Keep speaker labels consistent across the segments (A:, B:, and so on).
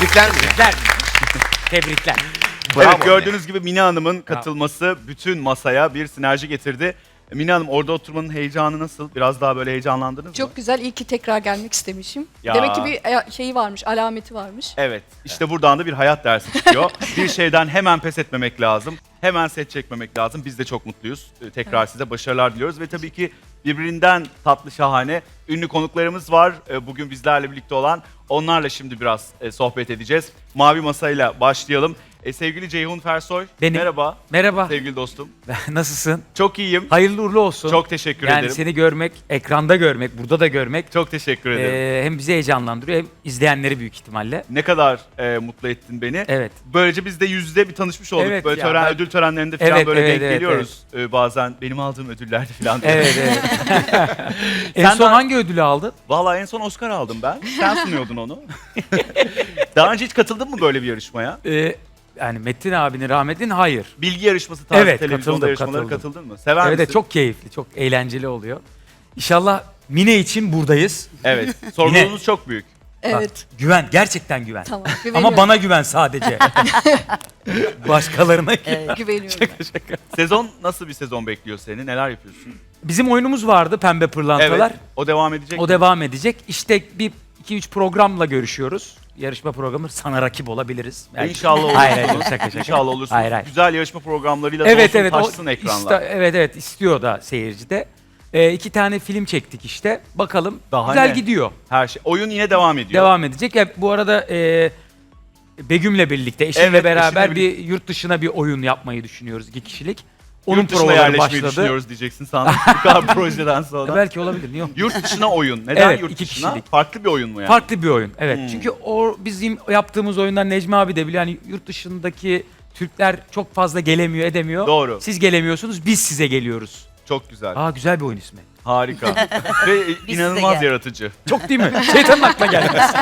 A: Tebrikler mi?
B: Tebrikler. Tebrikler.
C: Evet, gördüğünüz gibi Mine Hanım'ın katılması bütün masaya bir sinerji getirdi. Mine Hanım, orada oturmanın heyecanı nasıl? Biraz daha böyle heyecanlandınız mı?
D: Çok güzel. İyi ki tekrar gelmek istemişim.
C: Ya.
D: Demek ki bir şeyi varmış, alameti varmış.
C: Evet, işte buradan da bir hayat dersi çıkıyor. Bir şeyden hemen pes etmemek lazım. Hemen set çekmemek lazım. Biz de çok mutluyuz. Tekrar size başarılar diliyoruz ve tabii ki birbirinden tatlı, şahane ünlü konuklarımız var. Bugün bizlerle birlikte olan. Onlarla şimdi biraz sohbet edeceğiz. Mavi Masa'yla başlayalım. Sevgili Ceyhun Fersoy,
B: Benim.
C: merhaba.
B: Merhaba.
C: Sevgili dostum.
B: Nasılsın?
C: Çok iyiyim.
B: Hayırlı uğurlu olsun.
C: Çok teşekkür
B: yani
C: ederim.
B: seni görmek, ekranda görmek, burada da görmek
C: Çok teşekkür ederim.
B: hem bizi heyecanlandırıyor hem izleyenleri büyük ihtimalle.
C: Ne kadar mutlu ettin beni.
B: Evet.
C: Böylece biz de yüzde bir tanışmış olduk.
B: Evet
C: böyle
B: ya,
C: ödül törenlerinde falan
B: Evet,
C: böyle
B: evet,
C: denk
B: evet,
C: geliyoruz. Bazen benim aldığım ödüllerde falan.
B: Evet, evet. En
C: Sen
B: son
C: daha-
B: hangi ödülü aldın?
C: Vallahi en son Oscar aldım ben. Sen sunuyordun onu. Daha önce hiç katıldın mı böyle bir yarışmaya?
B: Yani Metin abinin rahmetin hayır.
C: Bilgi yarışması tarzı
B: Evet,
C: televizyonda
B: katıldım,
C: yarışmalara
B: katıldım.
C: katıldın mı? Sever
B: Evet,
C: misin?
B: çok keyifli, çok eğlenceli oluyor. İnşallah Mine için buradayız.
C: Evet. Sorumluluğunuz çok büyük.
D: Evet.
B: Bak, güven, gerçekten güven.
D: Tamam.
B: Ama
D: Güveniyorum.
B: bana güven sadece. Başkalarına güven.
D: Güveniyorum.
C: Sezon nasıl bir sezon bekliyor seni? Neler yapıyorsun?
B: Bizim oyunumuz vardı Pembe Pırlantalar.
C: Evet. O devam edecek
B: O
C: mi?
B: devam edecek. İşte bir 2-3 programla görüşüyoruz. Yarışma programı, sana rakip olabiliriz. Belki.
C: İnşallah olursunuz.
B: Hayır, hayır, şaka.
C: İnşallah olursunuz.
B: Hayır, hayır.
C: Güzel yarışma programlarıyla
B: Evet,
C: dolsun
B: evet.
C: taşsın ekranlar.
B: Evet, istiyor da seyirci de. 2 tane film çektik işte. Bakalım.
C: Daha
B: güzel
C: ne?
B: gidiyor.
C: Her şey. Oyun yine devam ediyor.
B: Devam edecek. Bu arada Begüm'le birlikte, eşimle
C: Evet,
B: beraber
C: eşinle
B: bir yurt dışına bir oyun yapmayı düşünüyoruz, 2 kişilik. Onun
C: Yurt dışına
B: provaları
C: yerleşmeyi
B: başladı.
C: düşünüyoruz diyeceksin sandım. Bu kadar projeden sonra.
B: Belki olabilir, niye olmasın?
C: Yurt dışına oyun. Neden
B: Evet,
C: yurt
B: 2
C: dışına?
B: kişilik.
C: Farklı bir oyun mu yani?
B: Farklı bir oyun. Evet.
C: Hmm.
B: Çünkü o bizim yaptığımız oyunlar Necmi abi de biliyor. Yani yurt dışındaki Türkler çok fazla gelemiyor, edemiyor.
C: Doğru.
B: Siz gelemiyorsunuz, biz size geliyoruz.
C: Çok güzel.
B: Güzel bir oyun ismi.
C: Harika. Ve inanılmaz
E: gel.
C: yaratıcı.
B: Çok değil mi? Şeytanın aklına gelmez.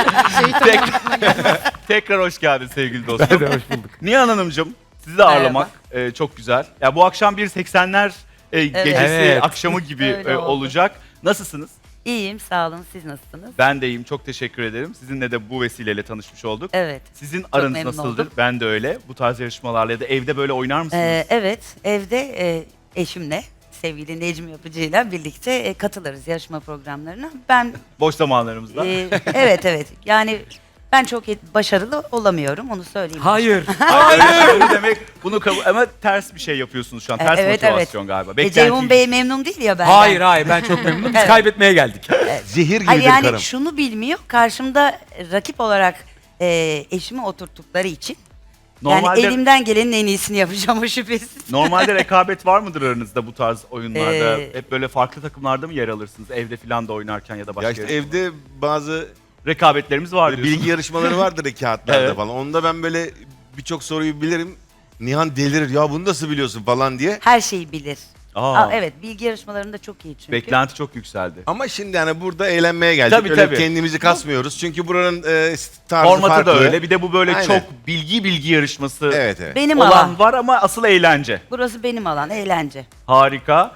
C: Tekrar hoş geldin sevgili dostum.
B: Hadi hoş bulduk.
C: Nihan Hanımcığım, sizi de ağırlamak çok güzel. Ya bu akşam bir 80'ler gecesi,
B: Evet.
C: akşamı gibi
E: Öyle oldu.
C: olacak. Nasılsınız?
E: İyiyim, sağ olun. Siz nasılsınız?
C: Ben de iyiyim. Çok teşekkür ederim. Sizinle de bu vesileyle tanışmış olduk.
E: Evet.
C: Sizin aranız
E: memnun
C: nasıldır?
E: oldum.
C: Ben de öyle. Bu tarz yarışmalarla ya da evde böyle oynar mısınız?
E: Evet, evde eşimle, sevgili Necmi Yapıcı'yla birlikte katılırız yarışma programlarına. Ben,
C: Boş zamanlarımızda.
E: evet. Yani ben çok başarılı olamıyorum, onu söyleyeyim.
B: Hayır.
C: Hayır. Ne demek? Bunu ama ters bir şey yapıyorsunuz şu an. Ters
E: Evet,
C: motivasyon galiba.
E: Ceyhun Bey memnun değil ya benden.
B: Hayır, ben çok memnunum. Biz
E: Evet.
B: kaybetmeye geldik.
A: Zehir
E: Hayır,
A: gibidir
E: yani
A: karım.
E: şunu bilmiyor, karşımda rakip olarak eşimi oturttukları için.
C: Normalde,
E: Yani elimden gelenin en iyisini yapacağım, o şüphesiz.
C: normalde rekabet var mıdır aranızda bu tarz oyunlarda?
E: Ee,
C: Hep böyle farklı takımlarda mı yer alırsınız? Evde falan da oynarken ya da başka
A: Ya işte
C: yarışmalarda?
A: evde bazı
C: Rekabetlerimiz var
A: böyle
C: diyorsun.
A: bilgi yarışmaları vardır ya kağıtlarda
C: Evet.
A: falan. Onda ben böyle birçok soruyu bilirim. Nihan delirir ya bunu nasıl biliyorsun falan diye.
E: Her şeyi bilir.
C: Aa,
E: Evet, bilgi yarışmalarında çok iyi çünkü.
C: Beklenti çok yükseldi.
A: Ama şimdi hani burada eğlenmeye geldik.
C: Tabii,
A: Öyle
C: tabii.
A: kendimizi kasmıyoruz. Çünkü buranın tarzı
C: Formatı
A: farklı.
C: da öyle. Bir de bu böyle
A: Aynen.
C: çok bilgi yarışması
A: Evet.
E: Benim
C: olan
E: alan.
C: var ama asıl eğlence.
E: Burası benim alan, eğlence.
C: Harika.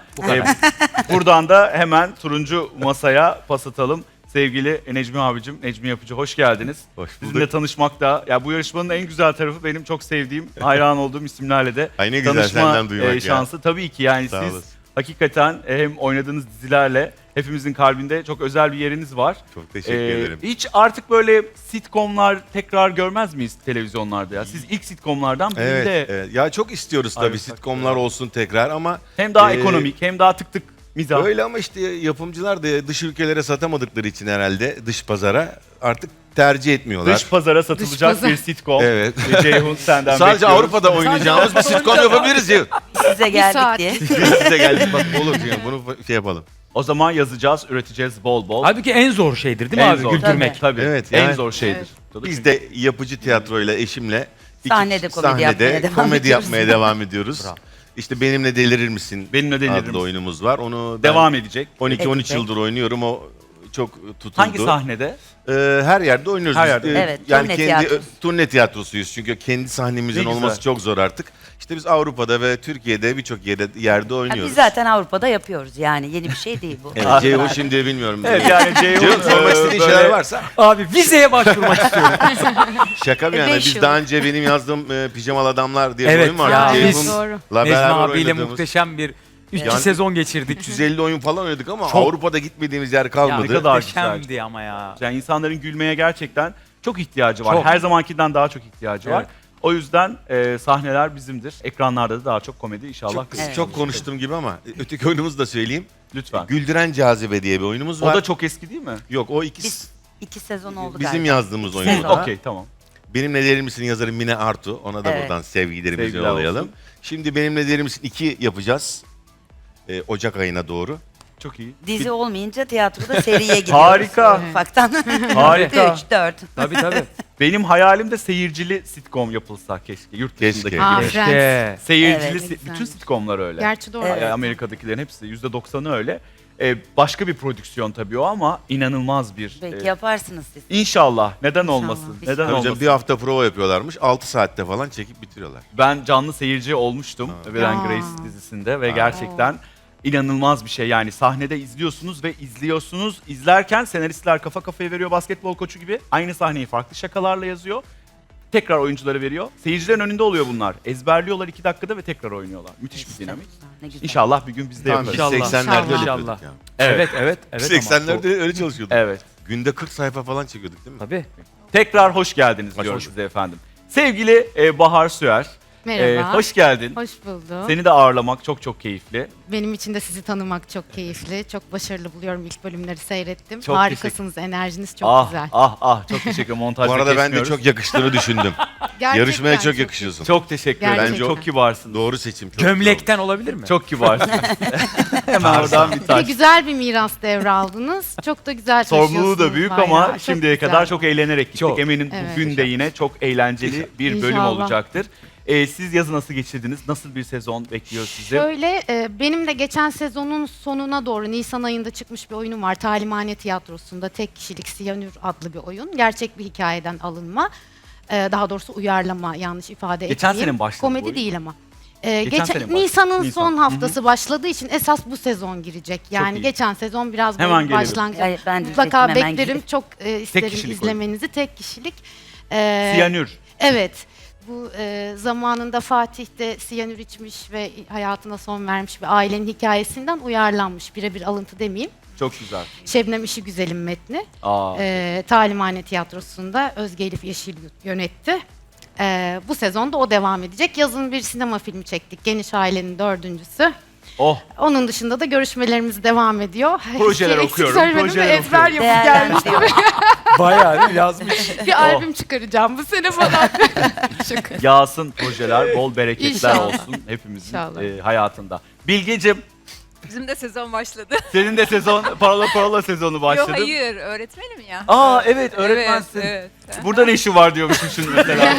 C: Buradan da hemen turuncu masaya pas atalım. Sevgili Necmi abicim, Necmi Yapıcı hoş geldiniz.
A: Hoş
C: Sizinle
A: bulduk.
C: tanışmak da, ya bu yarışmanın en güzel tarafı benim çok sevdiğim, hayran olduğum isimlerle de
A: Ay ne güzel
C: tanışma
A: senden duymak ya.
C: şansı. Tabii ki yani
A: Sağ
C: siz
A: olasın.
C: hakikaten hem oynadığınız dizilerle hepimizin kalbinde çok özel bir yeriniz var.
A: Çok teşekkür ederim.
C: Hiç artık böyle sitcomlar tekrar görmez miyiz televizyonlarda ya? Siz ilk sitcomlardan birinde
A: Evet. Ya çok istiyoruz
C: Ay,
A: tabii sitcomlar olsun tekrar ama
C: hem daha
A: Ee,
C: ekonomik hem daha tık tık mizah.
A: öyle ama işte yapımcılar da dış ülkelere satamadıkları için herhalde dış pazara artık tercih etmiyorlar.
C: Dış pazara satılacak
D: pazar.
C: bir sitcom.
A: Evet.
C: Ceyhun senden
A: Sadece
C: bekliyoruz.
A: Avrupa'da oynayacağımız bir sitcom yapabiliriz ya.
E: Size geldik
D: saat.
E: diye.
A: Biz size geldik bak olur yani bunu şey yapalım.
C: O zaman yazacağız, üreteceğiz bol bol.
B: Halbuki en zor şeydir değil mi
C: En
B: abi?
C: zor.
B: Güldürmek.
C: Tabii.
A: Evet,
C: en
A: yani-
C: zor şeydir.
A: Biz de yapıcı tiyatroyla eşimle
E: Sahnede komedi yapmaya devam
A: komedi
E: ediyoruz.
A: yapmaya devam ediyoruz.
B: Bravo.
A: İşte Benimle Delirir Misin?
C: Benimle Delirir
A: adlı
C: Misin?
A: oyunumuz var. Onu ben
C: Devam edecek.
A: 12-13
E: Edecek.
A: yıldır oynuyorum. O çok tutuldu.
C: Hangi sahnede?
A: Her yerde oynuyoruz.
C: Her
A: biz.
C: yerde.
E: Evet,
A: Yani
E: turne
A: kendi
E: tiyatrosu.
A: turne tiyatrosuyuz çünkü kendi sahnemizin
C: Ne güzel.
A: olması çok zor artık. İşte biz Avrupa'da ve Türkiye'de birçok yerde
E: Ha,
A: oynuyoruz.
E: biz zaten Avrupa'da yapıyoruz yani yeni bir şey değil bu.
A: Evet, Ceyhun şimdi bilmiyorum.
C: Evet yani Ceyhun
A: Ceyhun sormak istediğin
C: böyle-
A: şeyler varsa
B: Abi vizeye başvurmak istiyorum.
A: şaka mı yani?
E: Beş
A: Biz
E: yıl.
A: daha önce benim yazdığım Pijamalı Adamlar diye bir
B: Evet
A: oyun var.
B: ya,
A: Ceyhun'la
D: doğru.
B: Necmi
A: beraber
B: abiyle
A: oynadığımız.
B: muhteşem bir 3
A: Yani-
B: sezon geçirdik.
A: 350 oyun falan oynadık ama
B: Çok.
A: Avrupa'da gitmediğimiz yer
C: Ne
A: kalmadı.
C: kadar
B: Muhteşemdi ama ya.
C: Yani insanların gülmeye gerçekten çok ihtiyacı var.
B: Çok.
C: Her zamankinden daha çok ihtiyacı var.
B: Evet.
C: O yüzden sahneler bizimdir. Ekranlarda da daha çok komedi inşallah.
A: Çok,
C: kısmet
A: çok
C: olur.
A: konuştum gibi ama öteki oyunumuzu da söyleyeyim.
C: Lütfen.
A: Güldüren Cazibe diye bir oyunumuz
C: O
A: var.
C: da çok eski değil mi?
A: Yok o ikisi
E: Biz 2 sezon oldu
A: bizim
E: galiba.
A: yazdığımız oyun.
E: sezon.
A: o da.
C: Okey tamam.
A: Benimle Derin Misin yazarı Mine Artu. Ona da
E: Evet.
A: buradan sevgilerimizi
C: Sevgiler
A: yollayalım.
C: olsun.
A: Şimdi Benimle Derin Misin 2 yapacağız. Ocak ayına doğru.
C: Çok iyi.
E: Dizi olmayınca tiyatroda seriye gidiyoruz.
C: Harika.
E: Ufaktan.
C: Harika.
E: 3, 4.
B: Tabii tabii.
C: Benim hayalimde seyircili sitcom yapılsa keşke. Yurt dışındaki
A: Keşke.
C: gibi.
B: İşte.
C: Seyircili
E: Evet,
C: bütün
F: güzel.
C: sitcomlar öyle.
F: Gerçi doğru.
E: Evet.
C: Amerika'dakilerin hepsi %90'ı öyle. Başka bir prodüksiyon tabii o ama inanılmaz bir.
E: Belki yaparsınız siz.
C: İnşallah. Neden
F: İnşallah.
C: olmasın?
E: İnşallah.
C: Neden
A: Önce
C: olmasın?
A: bir hafta prova yapıyorlarmış. 6 saatte falan çekip bitiriyorlar.
C: Ben canlı seyirci olmuştum Will and
F: Aa.
C: Grace dizisinde ve gerçekten inanılmaz bir şey. Yani sahnede izliyorsunuz ve izliyorsunuz. İzlerken senaristler kafa kafaya veriyor basketbol koçu gibi. Aynı sahneyi farklı şakalarla yazıyor. Tekrar oyunculara veriyor. Seyircilerin önünde oluyor bunlar. Ezberliyorlar 2 dakikada ve tekrar oynuyorlar. Müthiş bir dinamik.
E: Ne güzel.
C: İnşallah bir gün biz de
A: Tamam, biz
C: yaparız.
B: İnşallah.
A: 80'lerde öyle
B: İnşallah.
A: yapıyorduk yani.
B: Evet evet evet.
A: Biz
B: ama
A: 80'lerde öyle çalışıyorduk.
C: Evet.
A: Günde 40 sayfa falan çekiyorduk değil mi?
B: Tabii.
C: Tekrar hoş geldiniz
A: Hoş
C: diyorum
A: bulduk.
C: size efendim. Sevgili Bahar Süer.
F: Merhaba.
C: Hoş geldin.
F: Hoş buldum.
C: Seni de ağırlamak çok çok keyifli.
F: Benim için de sizi tanımak çok keyifli. Çok başarılı buluyorum. İlk bölümleri seyrettim.
C: Çok
F: Harikasınız. Enerjiniz çok
C: ah,
F: güzel.
C: Çok teşekkür ederim. Montajda
A: Bu arada ben de
C: kesmiyoruz.
A: çok yakıştığını düşündüm.
F: Gerçekten
A: Yarışmaya çok yakışıyorsun.
C: Çok teşekkür ederim.
F: Gerçekten.
C: Çok kibarsın.
A: Doğru seçim. Çok güzel
B: Gömlekten olabilir mi?
C: Çok kibarsın. Hemen oradan bir
F: Bir de
C: taş.
F: güzel bir miras devraldınız. Çok da güzel
C: Sorumluluğu
F: taşıyorsunuz
C: da büyük
F: bayrağı.
C: ama
F: Çok
C: şimdiye
F: güzel.
C: kadar çok eğlenerek gittik.
B: Çok.
C: Eminim
F: Evet.
C: bugün de yine çok eğlenceli bir bölüm
F: İnşallah.
C: olacaktır. Siz yazı nasıl geçirdiniz? Nasıl bir sezon bekliyor sizi?
F: Şöyle benim de geçen sezonun sonuna doğru Nisan ayında çıkmış bir oyunum var. Talimhane Tiyatrosu'nda tek kişilik Siyanür adlı bir oyun. Gerçek bir hikayeden alınma. Daha doğrusu uyarlama, yanlış ifade
C: Geçen
F: etmeyeyim.
C: sene mi başladı bu
F: Komedi
C: oyun?
F: değil ama.
C: Geçen sene mi başladı?
F: Nisan'ın
C: Nisan.
F: son
C: Hı hı.
F: haftası başladığı için esas bu sezon girecek. Yani
C: iyi.
F: geçen sezon biraz
C: Hemen
F: böyle
C: gelelim.
F: başlangıç.
E: Ay, ben de
F: Mutlaka
E: diyecektim, hemen
F: beklerim.
E: gidip.
F: Çok isterim
C: kişilik
F: izlemenizi. Tek kişilik.
C: Siyanür.
F: Evet. Bu zamanında Fatih'te siyanür içmiş ve hayatına son vermiş bir ailenin hikayesinden uyarlanmış. Birebir alıntı demeyeyim.
C: Çok güzel.
F: Şebnem İşi Güzel'in metni.
C: Aa,
F: Talimhane Tiyatrosu'nda Özge Elif Yeşil yönetti. Bu sezonda o devam edecek. Yazın bir sinema filmi çektik. Geniş Ailenin 4.'sü.
C: oh.
F: Onun dışında da görüşmelerimiz devam ediyor.
C: Projeler
F: Eksik
C: okuyorum,
F: söylemedim de
C: projeler
F: ezber
C: okuyorum.
F: yapıp gelmiş gibi.
B: Bayağı değil mi? Yazmış.
F: Bir albüm çıkaracağım bu sene falan. Şaka.
C: Yağsın projeler, bol bereketler
F: İnşallah.
C: olsun hepimizin
F: İnşallah.
C: hayatında. Bilgeciğim,
G: Bizim de sezon başladı.
C: senin de sezon, parola sezonu başladı.
G: Yok hayır, öğretmenim ya.
C: Aa evet, öğretmensin.
G: Evet,
C: Burada ne işi var diyormuşum şimdi mesela.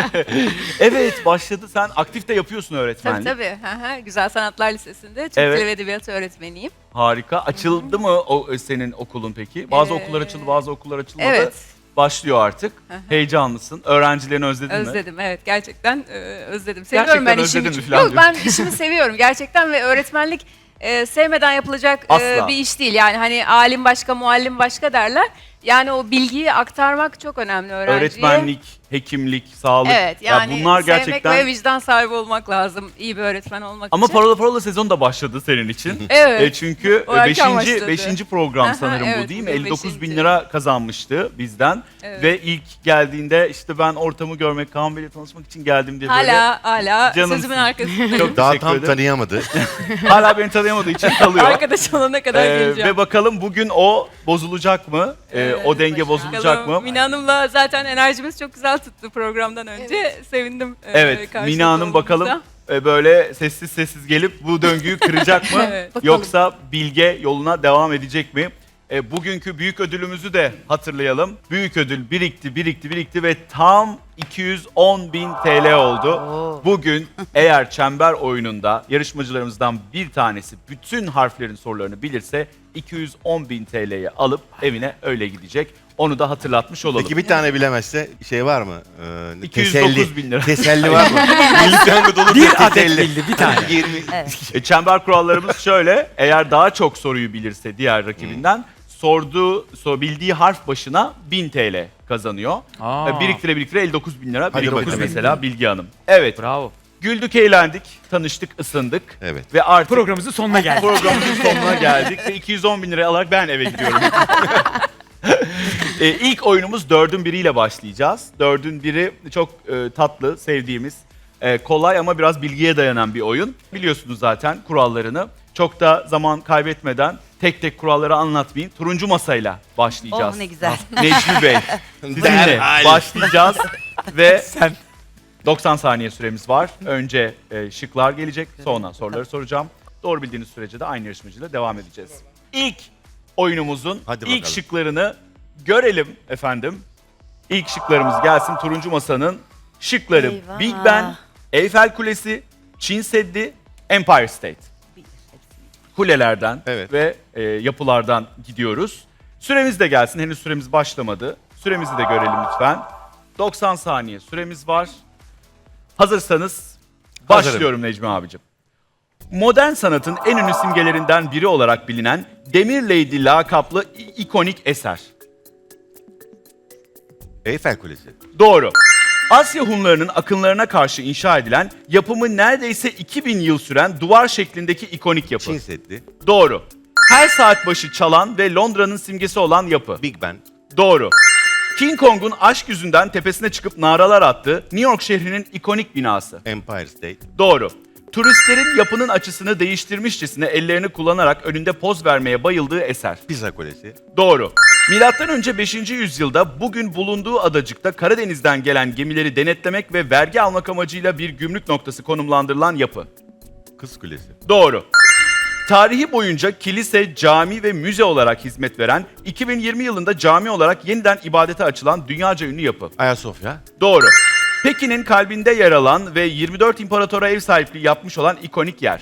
C: Evet başladı. Sen aktif de yapıyorsun
G: Tabii
C: öğretmenlik.
G: tabii. Hı hı. Güzel Sanatlar Lisesi'nde Türk
C: Evet.
G: Dili ve Edebiyatı öğretmeniyim.
C: Harika. Açıldı mı o senin okulun peki? Bazı okullar açıldı, bazı okullar açılmadı.
G: Evet.
C: Başlıyor artık.
G: Hı hı.
C: Heyecanlısın. Öğrencilerini özledin mi?
G: Özledim evet gerçekten özledim. Seviyorum
C: Gerçekten
G: ben
C: özledin
G: işimi.
C: mi falan
G: Yok ben işimi seviyorum gerçekten ve öğretmenlik sevmeden yapılacak
C: Asla.
G: bir iş değil. Yani hani alim başka, muallim başka derler. Yani o bilgiyi aktarmak çok önemli öğrenciye.
C: Öğretmenlik, hekimlik, sağlık.
G: Evet yani
C: ya bunlar
G: sevmek
C: gerçekten.
G: ve vicdan sahibi olmak lazım iyi bir öğretmen olmak
C: Ama
G: için.
C: parola sezon da başladı senin için.
G: Evet.
C: Çünkü
G: O erken başladı.
C: 5. program
G: Aha,
C: sanırım bu
G: evet,
C: değil mi?
G: bugün
C: 59 bin
G: beşinci.
C: lira kazanmıştı bizden.
G: Evet.
C: Ve ilk geldiğinde işte ben ortamı görmek, Kaan Bey'le tanışmak için geldim diye böyle.
G: Hala
C: Canımsın.
G: sözümün arkasındayım.
C: Çok
A: Daha
C: teşekkür
A: tam
C: ederim.
A: tanıyamadı.
C: Hala beni tanıyamadığı için kalıyor.
G: Arkadaş olana kadar geleceğim.
C: Ve bakalım bugün o bozulacak mı? O denge bozulacak mı?
G: Mina Hanım'la zaten enerjimiz çok güzel tuttu programdan önce. Sevindim.
C: Evet,
G: karşınızda
C: Mina Hanım bakalım
G: olduğumuzda.
C: böyle sessiz sessiz gelip bu döngüyü kıracak mı?
G: Evet.
F: Bakalım.
C: Yoksa Bilge yoluna devam edecek mi? Bugünkü büyük ödülümüzü de hatırlayalım. Büyük ödül birikti ve tam 210.000 TL oldu. Bugün eğer çember oyununda yarışmacılarımızdan bir tanesi bütün harflerin sorularını bilirse 210.000 TL'yi alıp evine öyle gidecek. Onu da hatırlatmış olalım.
A: Peki bir tane bilemezse şey var mı?
C: 209.000 lira.
A: Teselli var mı? Milli piyango dolu
B: Bir adet
A: teselli.
B: bildi, bir tane.
A: 20.
C: Çember kurallarımız şöyle. Eğer daha çok soruyu bilirse diğer rakibinden bildiği harf başına 1000 TL kazanıyor.
B: Aa.
C: Biriktire 59.000 lira
A: Hadi
C: biriktirdi
A: bakalım.
C: mesela Bilge Hanım. Evet.
B: Bravo.
C: Güldük, eğlendik, tanıştık, ısındık.
A: Evet.
C: Ve artık
B: Programımızın sonuna geldik.
C: programımızın sonuna geldik ve 210.000 lirayı alarak ben eve gidiyorum. İlk oyunumuz 4'ün biriyle başlayacağız. 4'ün biri çok tatlı, sevdiğimiz, kolay ama biraz bilgiye dayanan bir oyun. Biliyorsunuz zaten kurallarını. Çok da zaman kaybetmeden tek tek kuralları anlatmayayım. Turuncu masayla başlayacağız.
E: Oh ne güzel.
C: Necmi Bey, sizinle
A: Derhal.
C: başlayacağız ve
B: Sen
C: 90 saniye süremiz var. Önce şıklar gelecek, sonra soruları soracağım. Doğru bildiğiniz sürece de aynı yarışmacıyla devam edeceğiz. İlk oyunumuzun
A: Hadi
C: ilk
A: bakalım.
C: şıklarını görelim efendim. İlk şıklarımız gelsin. Turuncu Masa'nın şıkları
E: Eyvah.
C: Big Ben, Eyfel Kulesi, Çin Seddi, Empire State. Kulelerden
A: Evet.
C: ve yapılardan gidiyoruz. Süremiz de gelsin. Henüz süremiz başlamadı. Süremizi de görelim lütfen. 90 saniye süremiz var. Hazırsanız başlıyorum Necmi abicim. Modern sanatın en ünlü simgelerinden biri olarak bilinen Demir Lady lakaplı ikonik eser.
A: Eyfel Kulesi.
C: Doğru. Asya Hunlarının akınlarına karşı inşa edilen, yapımı neredeyse 2000 yıl süren duvar şeklindeki ikonik yapı.
A: Çin Seddi.
C: Doğru. Her saat başı çalan ve Londra'nın simgesi olan yapı.
A: Big Ben.
C: Doğru. King Kong'un aşk yüzünden tepesine çıkıp naralar attığı New York şehrinin ikonik binası.
A: Empire State.
C: Doğru. Turistlerin yapının açısını değiştirmişçesine ellerini kullanarak önünde poz vermeye bayıldığı eser.
A: Pisa Kulesi.
C: Doğru. Milattan önce 5. yüzyılda bugün bulunduğu adacıkta Karadeniz'den gelen gemileri denetlemek ve vergi almak amacıyla bir gümrük noktası konumlandırılan yapı.
A: Kız Kulesi.
C: Doğru. Tarihi boyunca kilise, cami ve müze olarak hizmet veren, 2020 yılında cami olarak yeniden ibadete açılan dünyaca ünlü yapı.
A: Ayasofya.
C: Doğru. Pekin'in kalbinde yer alan ve 24 imparatora ev sahipliği yapmış olan ikonik yer.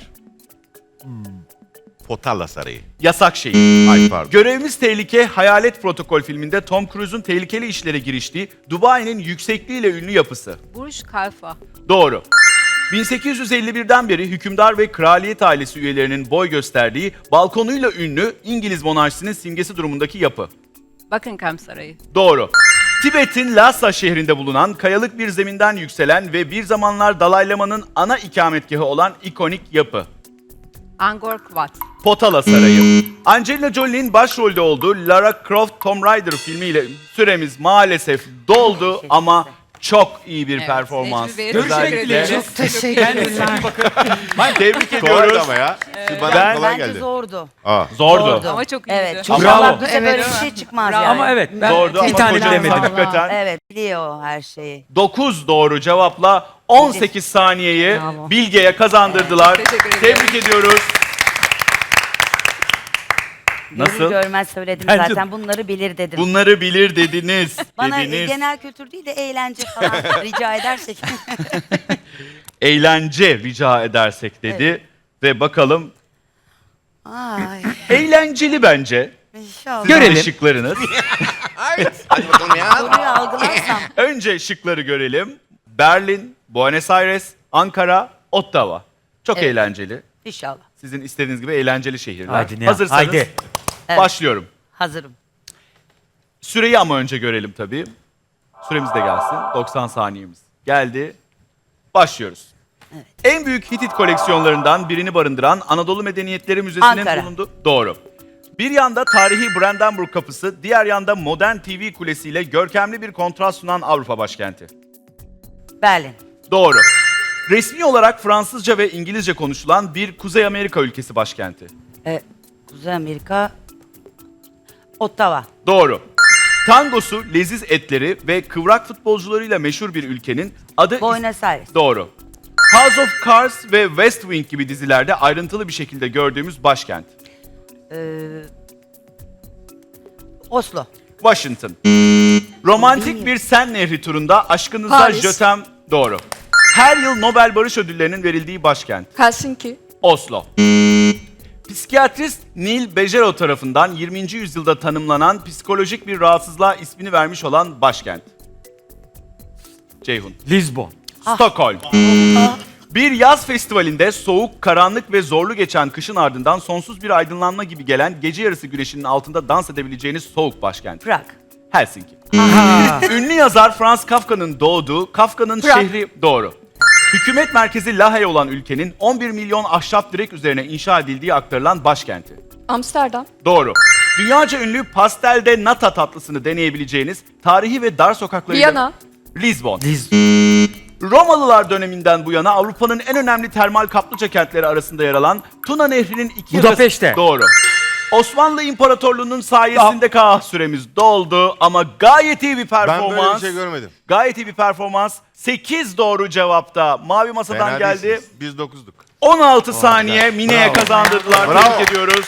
A: Potala Sarayı.
C: Yasak şehir.
A: Ay pardon.
C: Görevimiz Tehlike, Hayalet Protokol filminde Tom Cruise'un tehlikeli işlere giriştiği Dubai'nin yüksekliğiyle ünlü yapısı.
G: Burj Khalifa.
C: Doğru. 1851'den beri hükümdar ve kraliyet ailesi üyelerinin boy gösterdiği, balkonuyla ünlü İngiliz monarşisinin simgesi durumundaki yapı.
G: Buckingham Sarayı.
C: Doğru. Tibet'in Lhasa şehrinde bulunan, kayalık bir zeminden yükselen ve bir zamanlar Dalai Lama'nın ana ikametgahı olan ikonik yapı.
G: Angkor Wat.
C: Potala Sarayı. Angelina Jolie'nin başrolde olduğu Lara Croft Tomb Raider filmiyle süremiz maalesef doldu ama çok iyi bir
G: Evet,
C: performans.
G: Necmi Bey'e
B: Görüşmek
G: teşekkür
B: dileğiyle.
G: ederiz.
F: Çok teşekkürler.
C: Tebrik
A: Kolaydı
C: ediyoruz.
A: ama ya. Bana
C: Ben-
A: kolay
E: Bence
A: geldi.
E: zordu.
A: Aa.
C: Zordu.
E: Zordu.
G: Ama çok iyiydi.
E: Evet. Çünkü
C: Bravo.
E: Allah bize böyle
F: Evet.
E: bir şey çıkmaz
G: Bravo.
E: yani.
B: ama evet ben
C: Zordu
B: bir
C: ama
B: tane
C: hocam
B: bilemedim.
C: hakikaten
E: Evet biliyor her şeyi.
C: 9 doğru cevapla 18 saniyeyi
F: Bravo.
C: Bilge'ye kazandırdılar.
G: Teşekkür ederim.
C: Tebrik ediyoruz. Nasıl?
E: Görür görmez söyledim
B: Bence-
E: zaten bunları bilir dedim.
C: Bunları bilir dediniz.
E: Bana
C: dediniz.
E: genel kültür değil de eğlence falan rica edersek.
C: Eğlence rica edersek dedi. Ve bakalım
E: Ay
C: eğlenceli bence.
E: inşallah.
C: Sizin de
B: Görelim.
C: şıklarınız.
A: Hadi bakalım ya.
E: Soruyu algılarsam.
C: Önce şıkları görelim. Berlin, Buenos Aires, Ankara, Ottawa. Çok
E: Evet.
C: eğlenceli.
E: İnşallah.
C: Sizin istediğiniz gibi eğlenceli şehirler.
B: Haydi Nihan,
C: Hazırsanız
B: haydi.
E: Evet.
C: başlıyorum.
E: Hazırım.
C: Süreyi ama önce görelim tabii. Süremiz de gelsin. 90 saniyemiz geldi. Başlıyoruz. En büyük Hitit koleksiyonlarından birini barındıran Anadolu Medeniyetleri Müzesi'nin
E: Ankara.
C: bulunduğu... Doğru. Bir yanda tarihi Brandenburg Kapısı, diğer yanda modern TV kulesiyle görkemli bir kontrast sunan Avrupa başkenti.
E: Berlin.
C: Doğru. Resmi olarak Fransızca ve İngilizce konuşulan bir Kuzey Amerika ülkesi başkenti.
E: Kuzey Amerika. Ottawa.
C: Doğru. Tangosu, leziz etleri ve kıvrak futbolcularıyla meşhur bir ülkenin adı...
E: Buenos Aires.
C: Doğru. House of Cards ve West Wing gibi dizilerde ayrıntılı bir şekilde gördüğümüz başkent.
E: Ee, Oslo.
C: Washington. Romantik bir Sen Nehri turunda aşkınıza
D: Paris.
C: jötem doğru. Her yıl Nobel Barış Ödülleri'nin verildiği başkent.
D: Helsinki.
C: Oslo. Psikiyatrist Neil Bejero tarafından 20. yüzyılda tanımlanan psikolojik bir rahatsızlığa ismini vermiş olan başkent. Ceyhun.
B: Lisbon.
C: Stockholm. Bir yaz festivalinde soğuk, karanlık ve zorlu geçen kışın ardından sonsuz bir aydınlanma gibi gelen gece yarısı güneşinin altında dans edebileceğiniz soğuk başkent.
E: Prag.
C: Helsinki. Ünlü yazar Franz Kafka'nın doğduğu, Kafka'nın
D: Prag.
C: şehri doğru. Hükümet merkezi Lahey olan ülkenin 11 milyon ahşap direk üzerine inşa edildiği aktarılan başkenti.
D: Amsterdam.
C: Doğru. Dünyaca ünlü pastelde nata tatlısını deneyebileceğiniz tarihi ve dar sokaklarıyla...
D: Viyana.
C: Lisbon. Romalılar döneminden bu yana Avrupa'nın en önemli termal kaplıca kentleri arasında yer alan Tuna Nehri'nin iki
B: Budapeşte.
C: yakası... Doğru. Osmanlı İmparatorluğu'nun sayesinde süremiz doldu ama gayet iyi bir
A: Ben
C: performans.
A: böyle bir şey görmedim.
C: Gayet iyi bir performans. 8 doğru cevapta Mavi Masa'dan
A: Fena
C: geldi.
A: değilsiniz. Biz 9'duk.
C: 16 saniye
A: güzel.
C: Mine'ye
A: Bravo.
C: kazandırdılar.
A: Bravo.
C: Tebrik ediyoruz.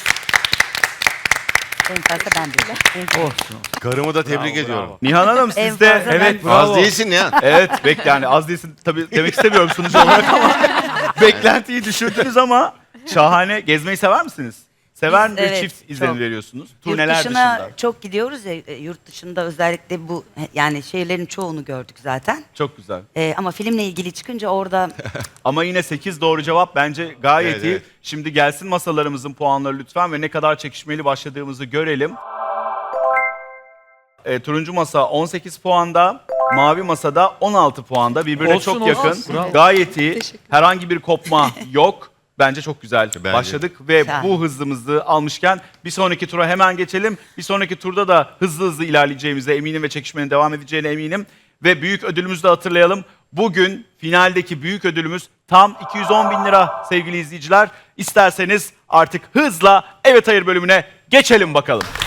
E: En fazla ben bildim.
B: Olsun.
A: Karımı da tebrik ediyorum.
C: Nihan Hanım
E: En
C: siz de...
E: fazla
B: Evet,
E: ben-
B: bravo.
A: Az değilsin ya.
C: Evet, yani az değilsin tabii demek istemiyorum sunucu olarak ama beklentiyi düşürdünüz ama şahane. Gezmeyi sever misiniz? Sever
E: Biz,
C: bir
E: evet,
C: çift izlenim
E: çok.
C: veriyorsunuz.
E: Yurt
C: Turneler
E: dışına
C: dışında.
E: çok gidiyoruz ya, yurt dışında özellikle bu yani şehirlerin çoğunu gördük zaten.
C: Çok güzel.
E: Ama filmle ilgili çıkınca orada
C: Ama yine 8 doğru cevap bence gayet
A: Evet,
C: iyi.
A: evet.
C: Şimdi gelsin masalarımızın puanları lütfen ve ne kadar çekişmeli başladığımızı görelim. Turuncu masa 18 puanda, mavi masada 16 puanda. Birbirine
B: Olsun,
C: çok
B: olsun.
C: yakın.
B: Bravo.
C: Gayet iyi.
D: Teşekkür.
C: Herhangi bir kopma yok. Bence çok güzel
A: Bence.
C: başladık ve
E: Güzel.
C: bu hızımızı almışken bir sonraki tura hemen geçelim. Bir sonraki turda da hızlı hızlı ilerleyeceğimize eminim ve çekişmenin devam edeceğine eminim. Ve büyük ödülümüzü de hatırlayalım. Bugün finaldeki büyük ödülümüz tam 210 bin lira sevgili izleyiciler. İsterseniz artık hızla evet hayır bölümüne geçelim bakalım.